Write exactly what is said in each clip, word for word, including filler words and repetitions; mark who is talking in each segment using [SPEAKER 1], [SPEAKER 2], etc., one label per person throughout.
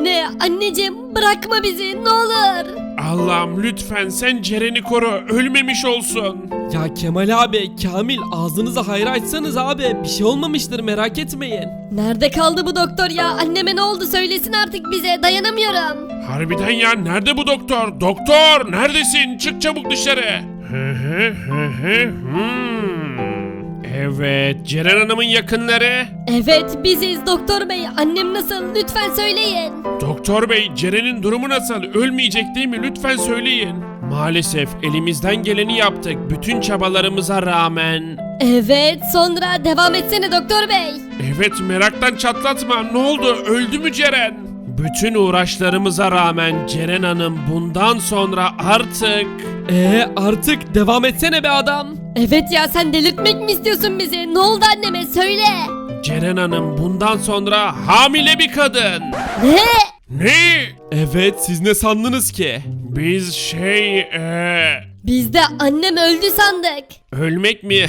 [SPEAKER 1] Anne, anneciğim bırakma bizi ne olur.
[SPEAKER 2] Allah'ım lütfen sen Ceren'i koru, ölmemiş olsun.
[SPEAKER 3] Ya Kemal abi, Kamil ağzınızı hayra açsanız abi, bir şey olmamıştır merak etmeyin.
[SPEAKER 1] Nerede kaldı bu doktor ya? Anneme ne oldu söylesin artık bize, dayanamıyorum.
[SPEAKER 2] Harbiden ya, nerede bu doktor? Doktor neredesin? Çık çabuk dışarı. Hı hı hı hı, hmm. Evet, Ceren Hanım'ın yakınları.
[SPEAKER 1] Evet biziz doktor bey, annem nasıl lütfen söyleyin.
[SPEAKER 2] Doktor bey, Ceren'in durumu nasıl? Ölmeyecek değil mi? Lütfen söyleyin. Maalesef elimizden geleni yaptık bütün çabalarımıza rağmen.
[SPEAKER 1] Evet, sonra devam etsene doktor bey.
[SPEAKER 2] Evet, meraktan çatlatma. Ne oldu? Öldü mü Ceren? Bütün uğraşlarımıza rağmen Ceren Hanım bundan sonra artık...
[SPEAKER 3] Ee artık devam etsene be adam.
[SPEAKER 1] Evet ya, sen delirtmek mi istiyorsun bizi? Ne oldu anneme söyle.
[SPEAKER 2] Ceren Hanım bundan sonra hamile bir kadın.
[SPEAKER 1] Ne?
[SPEAKER 2] Ne?
[SPEAKER 3] Evet, siz ne sandınız ki?
[SPEAKER 2] Biz şey... Ee...
[SPEAKER 1] Biz de annem öldü sandık.
[SPEAKER 2] Ölmek mi?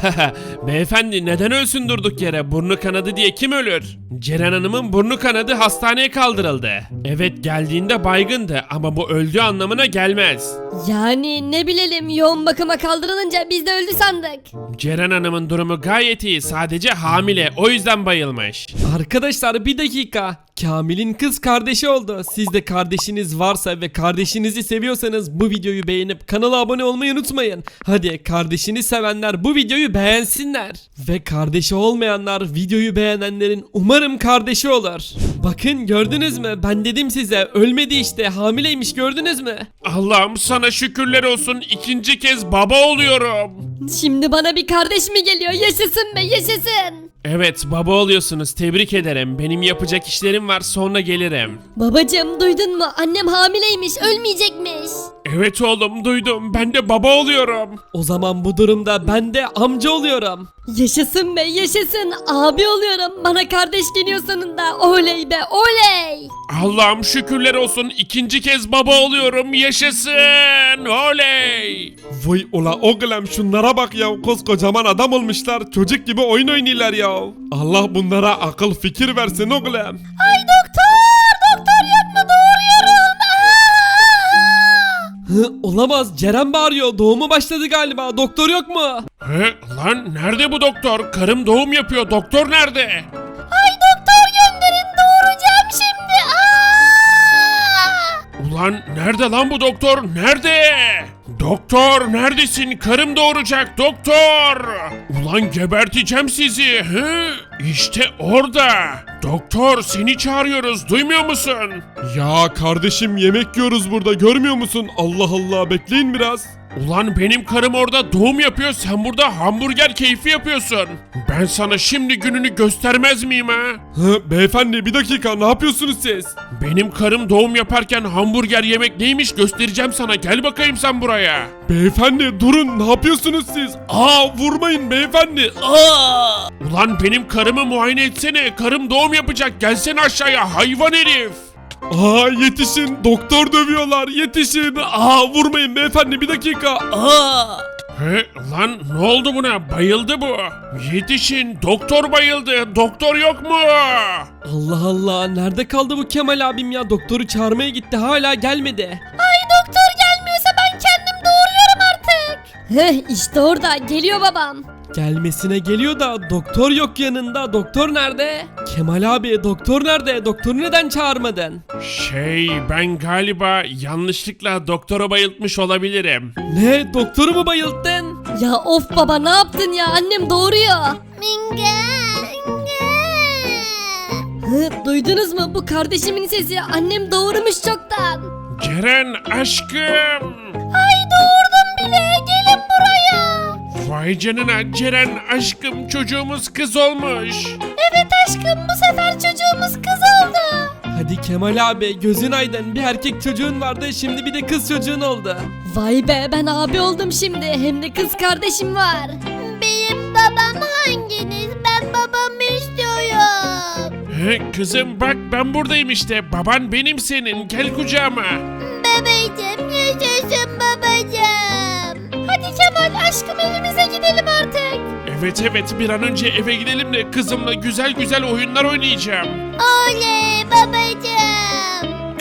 [SPEAKER 2] Beyefendi neden ölsün durduk yere? Burnu kanadı diye kim ölür? Ceren Hanım'ın burnu kanadı, hastaneye kaldırıldı. Evet, geldiğinde baygındı ama bu öldüğü anlamına gelmez.
[SPEAKER 1] Yani ne bilelim, yoğun bakıma kaldırılınca biz de öldü sandık.
[SPEAKER 2] Ceren Hanım'ın durumu gayet iyi, sadece hamile, o yüzden bayılmış.
[SPEAKER 3] Arkadaşlar bir dakika. Kamil'in kız kardeşi oldu. Siz de kardeşiniz varsa ve kardeşinizi seviyorsanız bu videoyu beğenip kanala abone olmayı unutmayın. Hadi kardeşini sevenler bu videoyu beğensinler. Ve kardeşi olmayanlar videoyu beğenenlerin umarım kardeşi olur. Bakın gördünüz mü? Ben dedim size, ölmedi işte, hamileymiş, gördünüz mü?
[SPEAKER 2] Allah'ım sana şükürler olsun, ikinci kez baba oluyorum.
[SPEAKER 1] Şimdi bana bir kardeş mi geliyor? Yaşasın be, yaşasın.
[SPEAKER 2] Evet, baba oluyorsunuz, tebrik ederim. Benim yapacak işlerim var, sonra gelirim.
[SPEAKER 1] Babacım duydun mu? Annem hamileymiş, ölmeyecekmiş.
[SPEAKER 2] Evet oğlum, duydum, ben de baba oluyorum.
[SPEAKER 3] O zaman bu durumda ben de amca oluyorum.
[SPEAKER 1] Yaşasın be, yaşasın. Abi oluyorum. Bana kardeş geliyor sonunda. Oley be, oley.
[SPEAKER 2] Allah'ım şükürler olsun, ikinci kez baba oluyorum, yaşasın, oley.
[SPEAKER 3] Vay ola oğlum, şunlara bak ya, koskocaman adam olmuşlar, çocuk gibi oyun oynuyorlar ya. Allah bunlara akıl fikir versin oğlum.
[SPEAKER 1] Ay doktor, doktor yapma, doğuruyorum.
[SPEAKER 3] Hı, olamaz, Ceren bağırıyor, doğumu başladı galiba, doktor yok mu?
[SPEAKER 2] He, lan nerede bu doktor? Karım doğum yapıyor, doktor nerede?
[SPEAKER 1] Ay doktor gönderin, doğuracağım şimdi.
[SPEAKER 2] Ulan nerede lan bu doktor? Nerede? Doktor neredesin? Karım doğuracak doktor. Ulan geberteceğim sizi. Hı? İşte orada. Doktor seni çağırıyoruz, duymuyor musun?
[SPEAKER 3] Ya kardeşim, yemek yiyoruz burada, görmüyor musun? Allah Allah, bekleyin biraz.
[SPEAKER 2] Ulan benim karım orada doğum yapıyor, sen burada hamburger keyfi yapıyorsun. Ben sana şimdi gününü göstermez miyim ha?
[SPEAKER 3] Hı, beyefendi bir dakika, ne yapıyorsunuz siz?
[SPEAKER 2] Benim karım doğum yaparken hamburger yemek neymiş göstereceğim sana, gel bakayım sen buraya.
[SPEAKER 3] Beyefendi durun, ne yapıyorsunuz siz? Aa, vurmayın beyefendi. Aa!
[SPEAKER 2] Ulan benim karımı muayene etsene, karım doğum yapacak, gelsene aşağıya hayvan herif.
[SPEAKER 3] Aa, yetişin, doktor dövüyorlar, yetişin. Aa, vurmayın beyefendi, bir dakika. Aa!
[SPEAKER 2] He, lan ne oldu buna, bayıldı bu. Yetişin, doktor bayıldı, doktor yok mu?
[SPEAKER 3] Allah Allah, nerede kaldı bu Kemal abim ya? Doktoru çağırmaya gitti, hala gelmedi.
[SPEAKER 1] Ay doktor gelmiyorsa ben kendim doğuruyorum artık. Heh, işte orada geliyor babam.
[SPEAKER 3] Gelmesine geliyor da doktor yok yanında. Doktor nerede? Kemal abi, doktor nerede? Doktoru neden çağırmadın?
[SPEAKER 2] Şey, ben galiba yanlışlıkla doktora bayıltmış olabilirim.
[SPEAKER 3] Ne? Doktoru mu bayılttın?
[SPEAKER 1] Ya of baba, ne yaptın ya, annem doğuruyor. Minge. Hı, duydunuz mu, bu kardeşimin sesi, annem doğurmuş çoktan.
[SPEAKER 2] Ceren aşkım.
[SPEAKER 1] Ay doğurdum bile, gelin buraya.
[SPEAKER 2] Vay canına Ceren aşkım, çocuğumuz kız olmuş.
[SPEAKER 1] Evet aşkım, bu sefer çocuğumuz kız oldu.
[SPEAKER 3] Hadi Kemal abi, gözün aydın, bir erkek çocuğun vardı, şimdi bir de kız çocuğun oldu.
[SPEAKER 1] Vay be, ben abi oldum şimdi, hem de kız kardeşim var. Benim babam hanginiz? Ben babamı istiyorum.
[SPEAKER 2] He, kızım bak ben buradayım işte, baban benim senin, gel kucağıma.
[SPEAKER 1] Babacım, yaşasın babacım. Hadi Kemal aşkım, evimize gidelim artık.
[SPEAKER 2] Evet evet, bir an önce eve gidelim de kızımla güzel güzel oyunlar oynayacağım.
[SPEAKER 1] Oley babacım.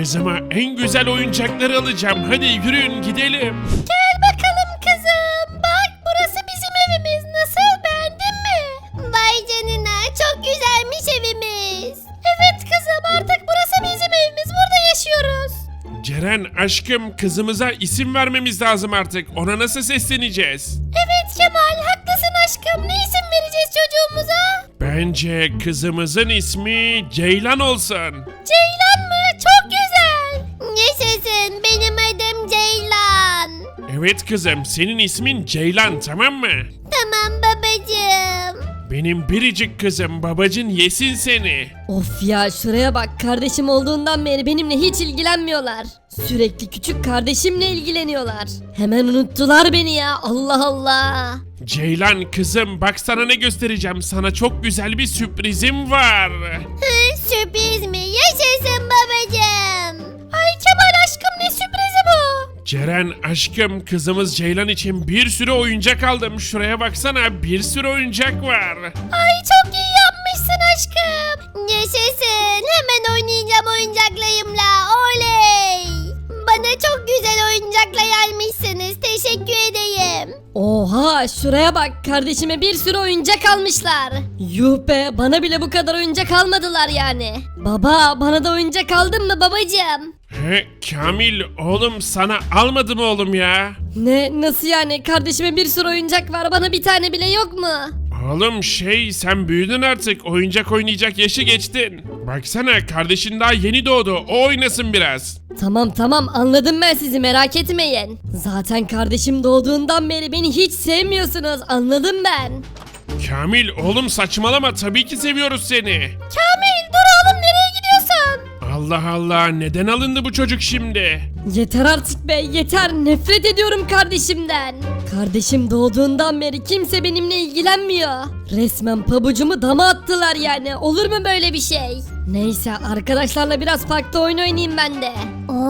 [SPEAKER 2] Kızıma en güzel oyuncakları alacağım. Hadi yürüyün gidelim.
[SPEAKER 1] Gel bakalım kızım. Bak burası bizim evimiz. Nasıl, beğendin mi? Vay canına, çok güzelmiş evimiz. Evet kızım, artık burası bizim evimiz. Burada yaşıyoruz.
[SPEAKER 2] Ceren aşkım, kızımıza isim vermemiz lazım artık. Ona nasıl sesleneceğiz?
[SPEAKER 1] Evet Kemal, haklısın aşkım. Ne isim vereceğiz çocuğumuza?
[SPEAKER 2] Bence kızımızın ismi Ceylan olsun.
[SPEAKER 1] Ceylan mı? Çok güzel. Yaşasın, benim adım Ceylan.
[SPEAKER 2] Evet kızım, senin ismin Ceylan, tamam mı?
[SPEAKER 1] Tamam babacığım.
[SPEAKER 2] Benim biricik kızım, babacın yesin seni.
[SPEAKER 1] Of ya, şuraya bak, kardeşim olduğundan beri benimle hiç ilgilenmiyorlar. Sürekli küçük kardeşimle ilgileniyorlar. Hemen unuttular beni ya, Allah Allah.
[SPEAKER 2] Ceylan kızım, bak sana ne göstereceğim. Sana çok güzel bir sürprizim var.
[SPEAKER 1] Hı, sürpriz mi? Yaşasın babacığım. Ay Kemal aşkım, ne sürprizi bu?
[SPEAKER 2] Ceren aşkım, kızımız Ceylan için bir sürü oyuncak aldım. Şuraya baksana, bir sürü oyuncak var.
[SPEAKER 1] Ay çok iyi yapmışsın aşkım. Yaşasın, hemen oynayacağım oyuncaklarımla, oley. Bana çok güzel oyuncaklar almışsınız, teşekkür edeyim. Oha, şuraya bak, kardeşime bir sürü oyuncak almışlar. Yuh be, bana bile bu kadar oyuncak almadılar yani. Baba, bana da oyuncak aldın mı babacığım?
[SPEAKER 2] He, Kamil oğlum, sana almadım oğlum ya.
[SPEAKER 1] Ne, nasıl yani? Kardeşime bir sürü oyuncak var, bana bir tane bile yok mu?
[SPEAKER 2] Oğlum şey, sen büyüdün artık, oyuncak oynayacak yaşı geçtin. Baksana, kardeşin daha yeni doğdu, o oynasın biraz.
[SPEAKER 1] Tamam tamam, anladım ben sizi, merak etmeyin. Zaten kardeşim doğduğundan beri beni hiç sevmiyorsunuz, anladım ben.
[SPEAKER 2] Kamil oğlum saçmalama, tabii ki seviyoruz seni.
[SPEAKER 1] Kamil dur oğlum, nereye gidiyorsun?
[SPEAKER 2] Allah Allah, neden alındı bu çocuk şimdi?
[SPEAKER 1] Yeter artık be, yeter, nefret ediyorum kardeşimden. Kardeşim doğduğundan beri kimse benimle ilgilenmiyor. Resmen pabucumu dama attılar yani, olur mu böyle bir şey? Neyse, arkadaşlarla biraz parkta oyun oynayayım ben de.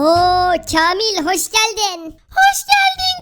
[SPEAKER 4] Oo Kamil hoş geldin.
[SPEAKER 1] Hoş geldin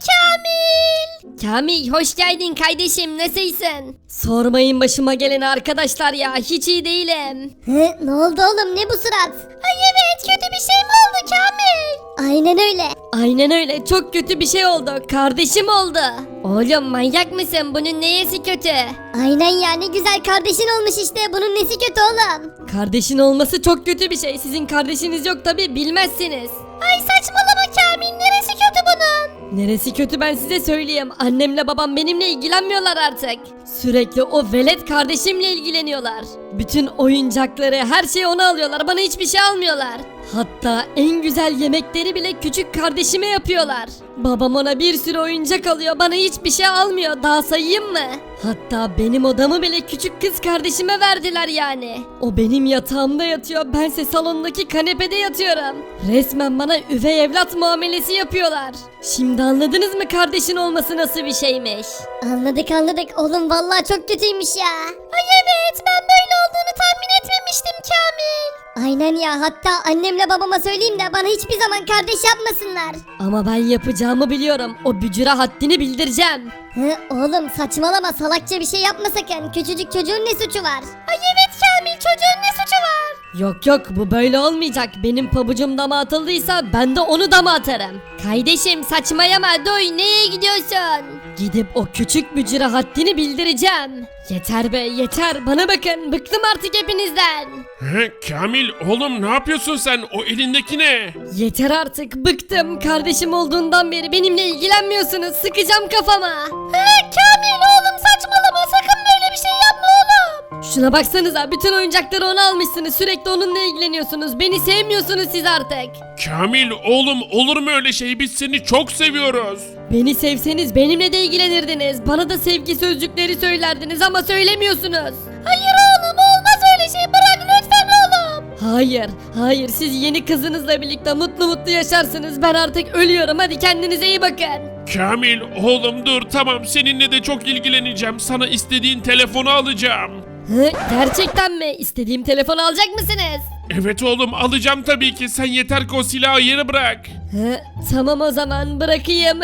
[SPEAKER 1] Kamil. Kamil hoş geldin kardeşim, nasılsın? Sormayın başıma geleni arkadaşlar ya, hiç iyi değilim.
[SPEAKER 4] Hı, ne oldu oğlum, ne bu surat?
[SPEAKER 1] Ay evet, kötü bir şey mi oldu Kamil?
[SPEAKER 4] Aynen öyle.
[SPEAKER 1] Aynen öyle, çok kötü bir şey oldu, kardeşim oldu. Oğlum manyak mısın, bunun neyesi kötü?
[SPEAKER 4] Aynen ya, ne güzel kardeşin olmuş işte, bunun nesi kötü oğlum?
[SPEAKER 1] Kardeşin olması çok kötü bir şey, sizin kardeşiniz yok tabi, bilmezsiniz. Ay saçmalama Kamil, neresi kötü bunun? Neresi kötü ben size söyleyeyim, annemle babam benimle ilgilenmiyorlar artık. Sürekli o velet kardeşimle ilgileniyorlar. Bütün oyuncakları, her şeyi ona alıyorlar, bana hiçbir şey almıyorlar. Hatta en güzel yemekleri bile küçük kardeşime yapıyorlar. Babam ona bir sürü oyuncak alıyor, bana hiçbir şey almıyor, daha sayayım mı? Hatta benim odamı bile küçük kız kardeşime verdiler yani. O benim yatağımda yatıyor, bense salondaki kanepede yatıyorum. Resmen bana üvey evlat muamelesi yapıyorlar. Şimdi anladınız mı kardeşin olması nasıl bir şeymiş?
[SPEAKER 4] Anladık anladık oğlum, vallahi çok kötüymüş ya.
[SPEAKER 1] Ay evet, ben böyle olduğunu tahmin etmemiştim Kamil.
[SPEAKER 4] Aynen ya, hatta annemle babama söyleyeyim de bana hiçbir zaman kardeş yapmasınlar.
[SPEAKER 1] Ama ben yapacağımı biliyorum, o bücüre haddini bildireceğim.
[SPEAKER 4] Hı, oğlum saçmalama, salakça bir şey yapma sakın, küçücük çocuğun ne suçu var?
[SPEAKER 1] Ay evet Kamil, çocuğun ne suçu var? Yok yok, bu böyle olmayacak. Benim pabucum dama atıldıysa ben de onu dama atarım. Kardeşim saçmayama, doy, neye gidiyorsun? Gidip o küçük bücüre haddini bildireceğim. Yeter be yeter, bana bakın, bıktım artık hepinizden.
[SPEAKER 2] He, Kamil oğlum, ne yapıyorsun sen? O elindeki ne?
[SPEAKER 1] Yeter artık, bıktım. Kardeşim olduğundan beri benimle ilgilenmiyorsunuz, sıkacağım kafama. He Kamil oğlum, saçmalama, sakın böyle bir şey yapma oğlum. Şuna baksanıza, bütün oyuncakları ona almışsınız, sürekli onunla ilgileniyorsunuz, beni sevmiyorsunuz siz artık.
[SPEAKER 2] Kamil oğlum, olur mu öyle şey? Biz seni çok seviyoruz.
[SPEAKER 1] Beni sevseniz benimle de ilgilenirdiniz, bana da sevgi sözcükleri söylerdiniz ama söylemiyorsunuz. Hayır oğlum, olmaz öyle şey, bırak lütfen oğlum. Hayır, hayır, siz yeni kızınızla birlikte mutlu mutlu yaşarsınız, ben artık ölüyorum, hadi kendinize iyi bakın.
[SPEAKER 2] Kamil oğlum dur, tamam, seninle de çok ilgileneceğim. Sana istediğin telefonu alacağım.
[SPEAKER 1] Hı, gerçekten mi? İstediğim telefonu alacak mısınız?
[SPEAKER 2] Evet oğlum, alacağım tabii ki. Sen yeter ki o silahı yere bırak.
[SPEAKER 1] Hı, tamam o zaman, bırakayım.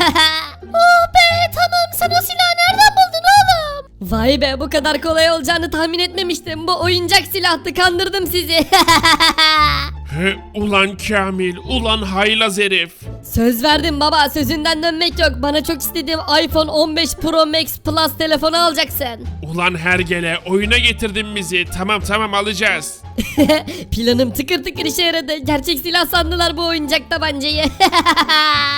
[SPEAKER 1] Oh be, tamam, sen o silahı nereden buldun oğlum? Vay be, bu kadar kolay olacağını tahmin etmemiştim. Bu oyuncak silahtı, kandırdım sizi.
[SPEAKER 2] He, ulan Kamil, ulan haylaz herif.
[SPEAKER 1] Söz verdim baba, sözünden dönmek yok. Bana çok istediğim iPhone on beş Pro Max Plus telefonu alacaksın.
[SPEAKER 2] Ulan hergele, oyuna getirdin bizi. Tamam tamam alacağız.
[SPEAKER 1] Planım tıkır tıkır işe yaradı. Gerçek silah sandılar bu oyuncak tabancayı.